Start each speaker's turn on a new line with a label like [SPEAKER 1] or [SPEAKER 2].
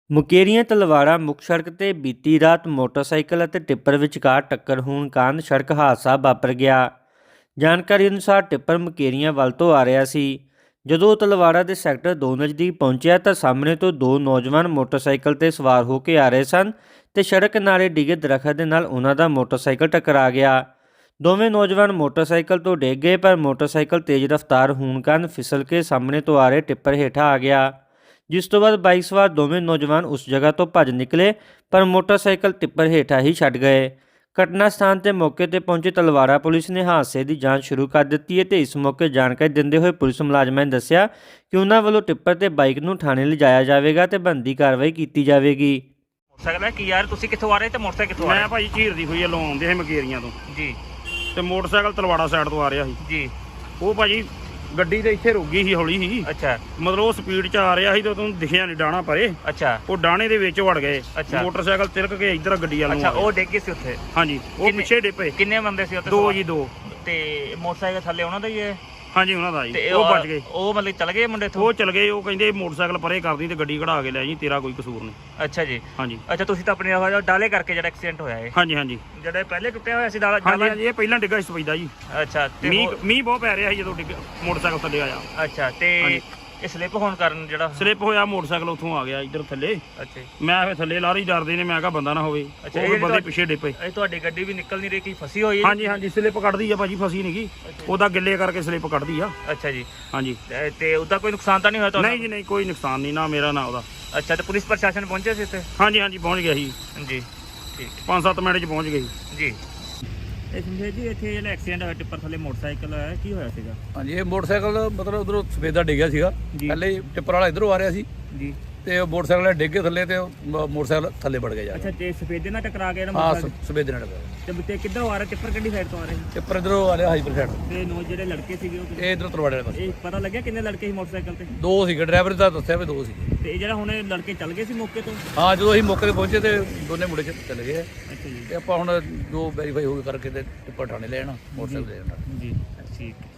[SPEAKER 1] ਮੁਕੇਰੀਆਂ ਤਲਵਾੜਾ ਮੁੱਖ ਸੜਕ ਤੇ ਬੀਤੀ ਰਾਤ ਮੋਟਰਸਾਈਕਲ ਅਤੇ ਟਿੱਪਰ ਵਿਚਕਾਰ ਟੱਕਰ ਹੋਣ ਕਾਰਨ ਸੜਕ ਹਾਦਸਾ ਵਾਪਰ ਗਿਆ। ਜਾਣਕਾਰੀ ਅਨੁਸਾਰ ਟਿੱਪਰ ਮੁਕੇਰੀਆਂ ਵੱਲ ਤੋਂ ਆ ਰਿਹਾ ਸੀ। ਜਦੋਂ ਉਹ ਤਲਵਾੜਾ ਦੇ ਸੈਕਟਰ 2 ਨਜ਼ਦੀਕ ਪਹੁੰਚਿਆ ਤਾਂ ਸਾਹਮਣੇ ਤੋਂ ਦੋ ਨੌਜਵਾਨ ਮੋਟਰਸਾਈਕਲ ਤੇ ਸਵਾਰ ਹੋ ਕੇ ਆ ਰਹੇ ਸਨ ਤੇ ਸੜਕ ਕਿਨਾਰੇ ਡਿੱਗੇ ਦਰਖਤ ਦੇ ਨਾਲ ਉਹਨਾਂ ਦਾ ਮੋਟਰਸਾਈਕਲ ਟਕਰਾ ਗਿਆ। ਦੋਵੇਂ ਨੌਜਵਾਨ ਮੋਟਰਸਾਈਕਲ ਤੋਂ ਡਿੱਗ ਗਏ, ਪਰ ਮੋਟਰਸਾਈਕਲ ਤੇਜ਼ ਰਫ਼ਤਾਰ ਹੋਣ ਕਾਰਨ ਫਿਸਲ ਕੇ ਸਾਹਮਣੇ ਤੋਂ ਆ ਰਹੇ ਟਿੱਪਰ ਹੇਠਾਂ ਆ ਗਿਆ, ਜਿਸ ਤੋਂ ਬਾਅਦ ਬਾਈਕ ਸਵਾਰ ਦੋਵੇਂ ਨੌਜਵਾਨ ਉਸ ਜਗ੍ਹਾ ਤੋਂ ਭੱਜ ਨਿਕਲੇ, ਪਰ ਮੋਟਰਸਾਈਕਲ ਟਿੱਪਰ ਹੇਠਾਂ ਹੀ ਛੱਡ ਗਏ। ਘਟਨਾ ਸਥਾਨ ਤੇ ਮੌਕੇ ਤੇ ਪਹੁੰਚੀ ਤਲਵਾੜਾ ਪੁਲਿਸ ਨੇ ਹਾਦਸੇ ਦੀ ਜਾਂਚ ਸ਼ੁਰੂ ਕਰ ਦਿੱਤੀ ਹੈ ਤੇ ਇਸ ਮੌਕੇ ਜਾਣਕਾਰੀ ਦਿੰਦੇ ਹੋਏ ਪੁਲਿਸ ਮੁਲਾਜ਼ਮਾਂ ਨੇ ਦੱਸਿਆ ਕਿ ਉਹਨਾਂ ਵੱਲੋਂ ਟਿੱਪਰ ਤੇ ਬਾਈਕ ਨੂੰ ਥਾਣੇ ਲਿਜਾਇਆ ਜਾਵੇਗਾ ਤੇ ਬਣਦੀ ਕਾਰਵਾਈ ਕੀਤੀ ਜਾਵੇਗੀ।
[SPEAKER 2] ਮੋਟਰਸਾਈਕਲ ਕੀ ਯਾਰ, ਤੁਸੀਂ ਕਿੱਥੋਂ ਆ ਰਹੇ ਤੇ ਮੋਟਰਸਾਈਕਲ ਕਿੱਥੋਂ ਆ ਰਿਹਾ?
[SPEAKER 3] ਮੈਂ ਭਾਈ ਝੀਰਦੀ ਹੋਈ ਲੋਂ ਆਉਂਦੇ ਸੀ ਮਕੇਰੀਆਂ ਤੋਂ
[SPEAKER 2] ਜੀ,
[SPEAKER 3] ਤੇ ਮੋਟਰਸਾਈਕਲ ਤਲਵਾੜਾ ਸਾਈਡ ਤੋਂ ਆ ਰਿਹਾ ਸੀ
[SPEAKER 2] ਜੀ।
[SPEAKER 3] ਉਹ ਭਾਜੀ ਗੱਡੀ ਤੇ ਇੱਥੇ ਰੁਕ ਗਈ ਸੀ, ਹੌਲੀ ਸੀ।
[SPEAKER 2] ਅੱਛਾ,
[SPEAKER 3] ਮਤਲਬ ਉਹ ਸਪੀਡ 'ਚ ਆ ਰਿਹਾ ਸੀ ਤੇ ਉਹਨੂੰ ਦਿਖਿਆ ਨਹੀਂ ਡਾਣਾ ਪਰੇ।
[SPEAKER 2] ਅੱਛਾ,
[SPEAKER 3] ਉਹ ਡਾਣੇ ਦੇ ਵਿੱਚ ਵੜ ਗਏ।
[SPEAKER 2] ਅੱਛਾ।
[SPEAKER 3] ਮੋਟਰਸਾਈਕਲ ਤਿਲਕ ਕੇ ਇੱਧਰ ਗੱਡੀ ਵੱਲ ਨੂੰ
[SPEAKER 2] ਅੱਛਾ।
[SPEAKER 3] ਆ ਗਿਆ।
[SPEAKER 2] ਉਹ ਡਿੱਗ ਗਏ ਸੀ ਉੱਥੇ?
[SPEAKER 3] ਹਾਂਜੀ, ਉਹ ਪਿੱਛੇ ਡਿੱਪੇ।
[SPEAKER 2] ਕਿੰਨੇ ਬੰਦੇ ਸੀ ਉੱਥੇ?
[SPEAKER 3] ਦੋ ਜੀ, ਦੋ।
[SPEAKER 2] ਤੇ ਮੋਟਰਸਾਈਕਲ ਥੱਲੇ ਉਹਨਾਂ ਦਾ ਹੀ ਹੈ?
[SPEAKER 3] ਹਾਂਜੀ, ਉਹਨਾਂ ਦਾ ਜੀ।
[SPEAKER 2] ਤੇ
[SPEAKER 3] ਉਹ ਬਚ ਗਏ।
[SPEAKER 2] ਉਹ ਮਤਲਬ ਚਲ ਗਏ ਮੁੰਡੇ ਤੋਂ?
[SPEAKER 3] ਉਹ ਚਲ ਗਏ। ਉਹ ਕਹਿੰਦੇ ਮੋਟਰਸਾਈਕਲ ਪਰੇ ਕਰਦੀ ਤੇ ਗੱਡੀ ਕਢਾ ਕੇ ਲੈ ਜੀ, ਤੇਰਾ ਕੋਈ ਕਸੂਰ ਨਹੀਂ।
[SPEAKER 2] ਅੱਛਾ ਜੀ।
[SPEAKER 3] ਹਾਂਜੀ।
[SPEAKER 2] ਅੱਛਾ, ਤੁਸੀਂ ਤਾਂ ਆਪਣੇ ਡਾਲੇ ਕਰਕੇ ਜਿਹੜਾ ਐਕਸੀਡੈਂਟ ਹੋਇਆ ਹੈ?
[SPEAKER 3] ਹਾਂਜੀ, ਹਾਂਜੀ,
[SPEAKER 2] ਜਿਹੜਾ ਪਹਿਲੇ ਟੁੱਟਿਆ ਹੋਇਆ ਸੀ ਡਾਲਾ?
[SPEAKER 3] ਹਾਂਜੀ। ਇਹ ਪਹਿਲਾਂ ਡਿੱਗਾ ਸੀ ਸਪੈਦਾ ਜੀ।
[SPEAKER 2] ਅੱਛਾ। ਤੇ
[SPEAKER 3] ਮੀਂਹ ਬਹੁਤ ਪੈ ਰਿਹਾ ਸੀ ਜਦੋਂ ਮੋਟਰਸਾਈਕਲ ਥੱਲੇ ਆਇਆ।
[SPEAKER 2] ਅੱਛਾ। ਤੇ ਇਹ ਸਲਿੱਪ ਹੋਣ ਕਾਰਨ ਜਿਹੜਾ
[SPEAKER 3] ਸਲਿੱਪ ਹੋਇਆ, ਮੋਟਰਸਾਈਕਲ ਉੱਥੋਂ ਆ ਗਿਆ ਇੱਧਰ ਥੱਲੇ।
[SPEAKER 2] ਅੱਛਾ।
[SPEAKER 3] ਮੈਂ ਫਿਰ ਥੱਲੇ ਲਾਰੀ ਡਰਦੇ ਨੇ, ਮੈਂ ਕਿਹਾ ਬੰਦਾ ਨਾ ਹੋਵੇ।
[SPEAKER 2] ਅੱਛਾ।
[SPEAKER 3] ਉਹ ਬੰਦੇ ਪਿੱਛੇ ਡਿੱਪੇ।
[SPEAKER 2] ਇਹ ਤੁਹਾਡੀ ਗੱਡੀ ਵੀ ਨਿਕਲ ਨਹੀਂ ਰਹੀ, ਕੀ ਫਸੀ ਹੋਈ ਹੈ?
[SPEAKER 3] ਹਾਂਜੀ, ਹਾਂਜੀ, ਸਲਿੱਪ ਕੱਢਦੀ ਆ ਭਾਜੀ, ਫਸੀ ਨਹੀਂਗੀ। ਉਹਦਾ ਗਿੱਲੇ ਕਰਕੇ ਸਲਿੱਪ ਕੱਢਦੀ ਆ।
[SPEAKER 2] ਅੱਛਾ ਜੀ।
[SPEAKER 3] ਹਾਂਜੀ।
[SPEAKER 2] ਤੇ ਉਹਦਾ ਕੋਈ ਨੁਕਸਾਨ ਤਾਂ ਨਹੀਂ ਹੋਇਆ ਤੁਹਾਨੂੰ?
[SPEAKER 3] ਨਹੀਂ ਜੀ, ਨਹੀਂ, ਕੋਈ ਨੁਕਸਾਨ ਨਹੀਂ, ਨਾ ਮੇਰਾ ਨਾ ਉਹਦਾ।
[SPEAKER 2] ਅੱਛਾ। ਤੇ ਪੁਲਿਸ ਪ੍ਰਸ਼ਾਸਨ ਪਹੁੰਚਿਆ ਸੀ ਇੱਥੇ?
[SPEAKER 3] ਹਾਂਜੀ, ਹਾਂਜੀ, ਪਹੁੰਚ ਗਿਆ ਸੀ।
[SPEAKER 2] ਜੀ, ਠੀਕ।
[SPEAKER 3] 5-7 ਮਿੰਟ 'ਚ ਪਹੁੰਚ ਗਏ ਸੀ।
[SPEAKER 2] ਜੀ। ਇਹ ਸਮਝੇ ਜੀ, ਇੱਥੇ ਜਿਹੜਾ ਐਕਸੀਡੈਂਟ ਹੋਇਆ ਟਿੱਪਰ ਥੱਲੇ ਮੋਟਰਸਾਈਕਲ ਹੋਇਆ, ਕੀ ਹੋਇਆ ਸੀਗਾ?
[SPEAKER 4] ਹਾਂਜੀ, ਇਹ ਮੋਟਰਸਾਈਕਲ ਮਤਲਬ ਉਧਰੋਂ ਸਫੇਦਾ ਡਿੱਗਿਆ ਸੀਗਾ।
[SPEAKER 2] ਜੀ।
[SPEAKER 4] ਪਹਿਲੇ ਹੀ ਟਿੱਪਰ ਵਾਲਾ ਇਧਰੋਂ ਆ ਰਿਹਾ ਸੀ
[SPEAKER 2] ਜੀ।
[SPEAKER 4] ਤੇ ਉਹ ਮੋਟਰਸਾਈਕਲ ਡਿੱਗ ਕੇ ਥੱਲੇ ਤੇ ਉਹ ਮੋਟਰਸਾਈਕਲ ਥੱਲੇ ਵੜ ਗਿਆ ਜਾ
[SPEAKER 2] ਅੱਛਾ। ਤੇ ਸਫੇਦੇ ਨਾਲ ਟਕਰਾ ਗਿਆ ਨਾ
[SPEAKER 4] ਹਾਂ,
[SPEAKER 2] ਮੋਟਰਸਾਈਕਲ?
[SPEAKER 4] ਸਫੇਦੇ ਨਾਲ ਟੱਕਰਿਆ।
[SPEAKER 2] ਤੇ ਕਿੱਧਰੋਂ ਆ ਰਿਹਾ ਟਿੱਪਰ, ਕਿਹੜੀ ਸਾਈਡ ਤੋਂ ਆ ਰਿਹਾ ਸੀ?
[SPEAKER 4] ਟਿੱਪਰ ਇਧਰੋਂ ਆ ਰਿਹਾ ਹਾਈਪਰ ਸਾਈਡ।
[SPEAKER 2] ਤੇ ਜਿਹੜੇ ਲੜਕੇ ਸੀਗੇ ਉਹ
[SPEAKER 4] ਇਹ ਇਧਰੋਂ ਤਰਵਾੜੇ ਵਾਲੇ ਪਾਸੇ।
[SPEAKER 2] ਇਹ ਪਤਾ ਲੱਗਿਆ ਕਿੰਨੇ ਲੜਕੇ ਸੀ ਮੋਟਰਸਾਈਕਲ ਤੇ?
[SPEAKER 4] ਦੋ ਸੀਗੇ, ਡਰਾਈਵਰ ਦਾ ਦੱਸਿਆ ਵੀ ਦੋ ਸੀਗੇ।
[SPEAKER 2] ਤੇ ਇਹ ਜਿਹੜਾ ਹੁਣ ਇਹ ਲੜਕੇ ਚੱਲ ਗਏ ਸੀ ਮੌਕੇ ਤੋਂ?
[SPEAKER 4] ਹਾਂ, ਜਦੋਂ ਅਸੀਂ ਮੌਕੇ ਤੇ ਪਹੁੰਚੇ ਤੇ ਦੋਨੇ ਮੁੰਡੇ ਚਲੇ ਗਏ।
[SPEAKER 2] ਅੱਛਾ ਜੀ।
[SPEAKER 4] ਤੇ ਆਪਾਂ ਹੁਣ ਜੋ ਵੈਰੀਫਾਈ ਹੋ ਕੇ ਕਰਕੇ ਤੇ ਟਿੱਪਰ ਥਾਣੇ ਲੈ ਜਾਣਾ, ਮੋਟਰਸਾਈਕਲ ਲੈ ਜਾਣਾ।
[SPEAKER 2] ਜੀ, ਠੀਕ।